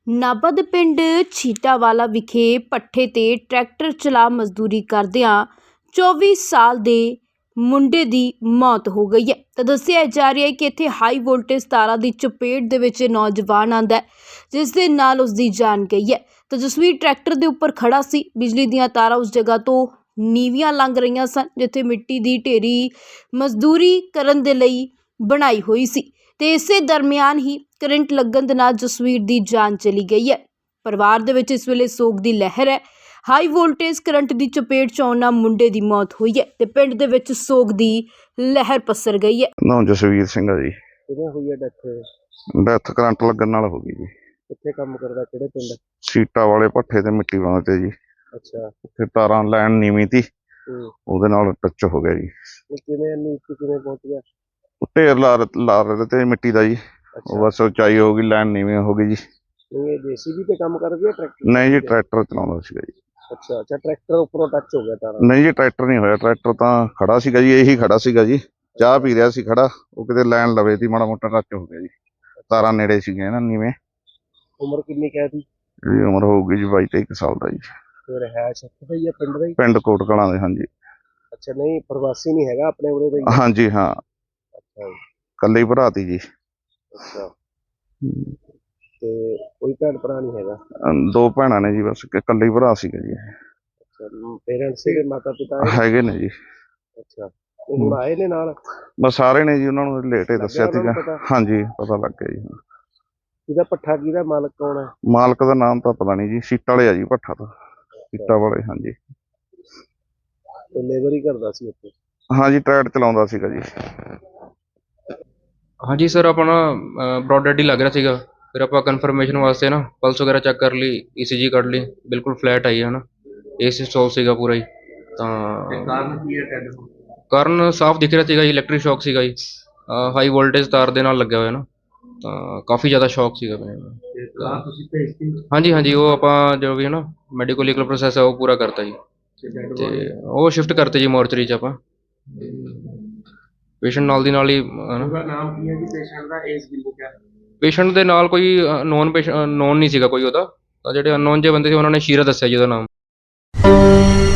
ਨਾਭਾ ਦੇ ਪਿੰਡ ਛੀਟਾਵਾਲਾ ਵਿਖੇ ਪੱਠੇ ਤੇ ਟਰੈਕਟਰ ਚਲਾ ਮਜ਼ਦੂਰੀ ਕਰਦਿਆਂ 24 ਸਾਲ ਦੇ ਮੁੰਡੇ ਦੀ ਮੌਤ ਹੋ ਗਈ ਹੈ। ਤਾਂ ਦੱਸਿਆ ਜਾ ਰਿਹਾ ਹੈ ਕਿ ਇੱਥੇ ਹਾਈ ਵੋਲਟੇਜ ਤਾਰਾਂ ਦੀ ਚਪੇਟ ਦੇ ਵਿੱਚ ਨੌਜਵਾਨ ਆਂਦਾ ਹੈ, ਜਿਸ ਦੇ ਨਾਲ ਉਸ ਦੀ ਜਾਨ ਗਈ ਹੈ। ਤਾਂ ਜਸਵੀਰ ਟਰੈਕਟਰ ਦੇ ਉੱਪਰ ਖੜਾ ਸੀ। ਬਿਜਲੀ ਦੀਆਂ ਤਾਰਾਂ ਉਸ ਜਗ੍ਹਾ ਤੋਂ ਨੀਵੀਆਂ ਲੰਘ ਰਹੀਆਂ ਸਨ ਜਿੱਥੇ ਮਿੱਟੀ ਦੀ ਢੇਰੀ ਮਜ਼ਦੂਰੀ ਕਰਨ ਦੇ ਲਈ ਬਣਾਈ ਹੋਈ ਸੀ ਤੇ ਇਸੇ ਦਰਮਿਆਨ ਹੀ ਕਰੰਟ ਲੱਗਣ ਦੇ ਨਾਲ ਜਸਵੀਰ ਦੀ ਜਾਨ ਚਲੀ ਗਈ ਹੈ। ਪਰਿਵਾਰ ਦੇ ਵਿੱਚ ਇਸ ਵੇਲੇ ਸੋਗ ਦੀ ਲਹਿਰ ਹੈ। ਹਾਈ ਵੋਲਟੇਜ ਕਰੰਟ ਦੀ ਚਪੇਟ 'ਚ ਆਉਣ ਨਾਲ ਮੁੰਡੇ ਦੀ ਮੌਤ ਹੋਈ ਹੈ ਤੇ ਪਿੰਡ ਦੇ ਵਿੱਚ ਸੋਗ ਦੀ ਲਹਿਰ ਪਸਰ ਗਈ ਹੈ। ਨਾਮ ਜਸਵੀਰ ਸਿੰਘ ਆ ਜੀ। ਕਿਵੇਂ ਹੋਈ ਹੈ ਡੈਥ? ਡੈਥ ਕਰੰਟ ਲੱਗਣ ਨਾਲ ਹੋ ਗਈ ਜੀ। ਕਿੱਥੇ ਕੰਮ ਕਰਦਾ, ਕਿਹੜੇ ਪਿੰਡ? ਸੀਟਾਂ ਵਾਲੇ ਭੱਠੇ ਤੇ ਮਿੱਟੀ ਪਾਉਂਦੇ ਜੀ। ਅੱਛਾ। ਉੱਥੇ ਤਾਰਾਂ ਲਾਈਨ ਨੀਵੀਂ ਤੀ, ਉਹਦੇ ਨਾਲ ਟੱਚ ਹੋ ਗਿਆ ਜੀ। ਕਿਵੇਂ ਨੀਚੇ ਕਿਵੇਂ ਪਹੁੰਚ ਗਿਆ? ਉਹ ਢੇਰ ਲਾ ਰਹੇ ਤੇ ਮਿੱਟੀ ਦਾ ਜੀ। ਉਹ ਬਸ ਉਚਾਈ ਹੋ ਗਈ, ਲਾਈਨ ਨੀਵੀਂ ਹੋ ਗਈ ਜੀ। ਇਹ ਜੀਸੀਬੀ ਤੇ ਕੰਮ ਕਰਦੀ ਹੈ ਟਰੈਕਟਰ? ਨਹੀਂ ਜੀ, ਟਰੈਕਟਰ ਚਲਾਉਂਦਾ ਸੀਗਾ ਜੀ। ਅੱਛਾ ਅੱਛਾ, ਟਰੈਕਟਰ ਉੱਪਰੋਂ ਟੱਚ ਹੋ ਗਿਆ ਤਾਰਾਂ? ਨਹੀਂ ਜੀ, ਟਰੈਕਟਰ ਨਹੀਂ ਹੋਇਆ। ਟਰੈਕਟਰ ਤਾਂ ਖੜਾ ਸੀਗਾ ਜੀ, ਇਹੀ ਖੜਾ ਸੀਗਾ ਜੀ। ਚਾਹ ਪੀ ਰਿਹਾ ਸੀ ਖੜਾ, ਉਹ ਕਿਤੇ ਲਾਈਨ ਲਵੇ ਤੀ, ਮਾੜਾ ਮੋਟਾ ਟੱਚ ਹੋ ਗਿਆ ਜੀ। ਤਾਰਾਂ ਨੇੜੇ ਸੀਗੀਆਂ ਨਾ ਨੀਵੇਂ। ਉਮਰ ਕਿੰਨੀ ਕਹਿ ਦੀ? ਇਹਦੀ ਉਮਰ ਹੋਊਗੀ ਜੀ 22-23 ਸਾਲ ਦਾ ਜੀ। ਫਿਰ ਹੈ ਸ਼ੱਕ ਹੈ ਪਿੰਡ ਦਾ ਹੀ? ਪਿੰਡ ਕੋਟ ਕਲਾਂ ਦੇ। ਹਾਂਜੀ। ਅੱਛਾ, ਨਹੀਂ ਪ੍ਰਵਾਸੀ ਨਹੀਂ ਹੈਗਾ, ਆਪਣੇ ਉਰੇ ਦਾ ਹੀ? ਹਾਂਜੀ ਹਾਂ, ਅੱਛਾ ਕੱਲੇ ਹੀ ਭਰਾ ਤੀ ਜੀ। ਅੱਛਾ, ਤੇ ਕੋਈ ਭੈਣ ਭਰਾ ਨਹੀਂ ਹੈਗਾ? ਦੋ ਭੈਣਾਂ ਨੇ ਜੀ, ਬਸ ਇਕੱਲੇ ਹੀ ਭਰਾ ਸੀਗਾ ਜੀ। ਅੱਛਾ, ਪੇਰੈਂਟਸ ਦੇ ਮਾਤਾ ਪਿਤਾ ਹੈਗੇ ਨੇ ਜੀ। ਅੱਛਾ, ਹੁਣ ਆਏ ਨੇ ਨਾਲ? ਬਸ ਸਾਰੇ ਨੇ ਜੀ, ਉਹਨਾਂ ਨੂੰ ਲੇਟ ਹੀ ਦੱਸਿਆ ਸੀਗਾ। ਪਤਾ? ਹਾਂਜੀ, ਪਤਾ ਲੱਗ ਗਿਆ ਜੀ। ਇਹਦਾ ਪੱਠਾ ਕਿਹਦਾ ਮਾਲਕ ਕੌਣ ਹੈ? ਮਾਲਕ ਦਾ ਨਾਮ ਤਾਂ ਪਤਾ ਨਹੀਂ ਜੀ। ਸੀਟਾਂ ਵਾਲੇ ਆ ਜੀ ਭੱਠਾ ਤਾਂ। ਸੀਟਾਂ ਵਾਲੇ। ਹਾਂਜੀ। ਤੇ ਲੇਬਰ ਹੀ ਕਰਦਾ ਸੀ ਉੱਥੇ? ਹਾਂਜੀ, ਟਰੈਕਟਰ ਚਲਾਉਂਦਾ ਸੀਗਾ ਜੀ। ਹਾਂਜੀ ਸਰ, ਆਪਣਾ ਬ੍ਰੌਡ ਡੈਡ ਹੀ ਲੱਗ ਰਿਹਾ ਸੀਗਾ। ਫਿਰ ਆਪਾਂ ਕਨਫਰਮੇਸ਼ਨ ਵਾਸਤੇ ਨਾ ਪਲਸ ਵਗੈਰਾ ਚੈੱਕ ਕਰ ਲਈ, ECG ਕੱਢ ਲਈ, ਬਿਲਕੁਲ ਫਲੈਟ ਆਈ ਹੈ ਨਾ। AC ਸਟੋਲ ਸੀਗਾ ਪੂਰਾ ਹੀ। ਤਾਂ ਕਾਰਨ ਕੀ ਹੈ ਡੈਡ ਹੋਣ? ਕਾਰਨ ਸਾਫ਼ ਦਿਖ ਰਿਹਾ ਸੀਗਾ ਜੀ, ਇਲੈਕਟ੍ਰਿਕ ਸ਼ੌਕ ਸੀਗਾ ਜੀ। ਹਾਈ ਵੋਲਟੇਜ ਤਾਰ ਦੇ ਨਾਲ ਲੱਗਿਆ ਹੋਇਆ ਨਾ, ਤਾਂ ਕਾਫੀ ਜ਼ਿਆਦਾ ਸ਼ੌਕ ਸੀਗਾ ਮੈਨੂੰ। ਤੁਸੀਂ ਭੇਜਤੀ? ਹਾਂਜੀ ਹਾਂਜੀ, ਉਹ ਆਪਾਂ ਜੋ ਵੀ ਹੈ ਨਾ ਮੈਡੀਕਲ ਲੀਗਲ ਪ੍ਰੋਸੈਸ ਹੈ ਉਹ ਪੂਰਾ ਕਰਤਾ ਜੀ, ਤੇ ਉਹ ਸ਼ਿਫਟ ਕਰਤੇ ਜੀ ਮੋਰਚਰੀ 'ਚ ਆਪਾਂ। ਪੇਸ਼ੈਂਟ ਨਾਲ ਦੀ ਨਾਲ ਹੀ ਉਹਦਾ ਨਾਮ ਕੀ ਹੈ ਜੀ ਪੇਸ਼ੈਂਟ ਦਾ? ਏਜ ਕਿੰਨੀ ਹੈ? ਪੇਸ਼ੈਂਟ ਦੇ ਨਾਲ ਕੋਈ ਨੋਨ ਨਹੀਂ ਸੀਗਾ ਕੋਈ ਉਹਦਾ। ਤਾਂ ਜਿਹੜੇ ਅਨਨੋਨ ਜਿਹੇ ਬੰਦੇ ਸੀ ਉਹਨਾਂ ਨੇ ਸ਼ੀਰਾ ਦੱਸਿਆ ਜੀ ਉਹਦਾ ਨਾਮ।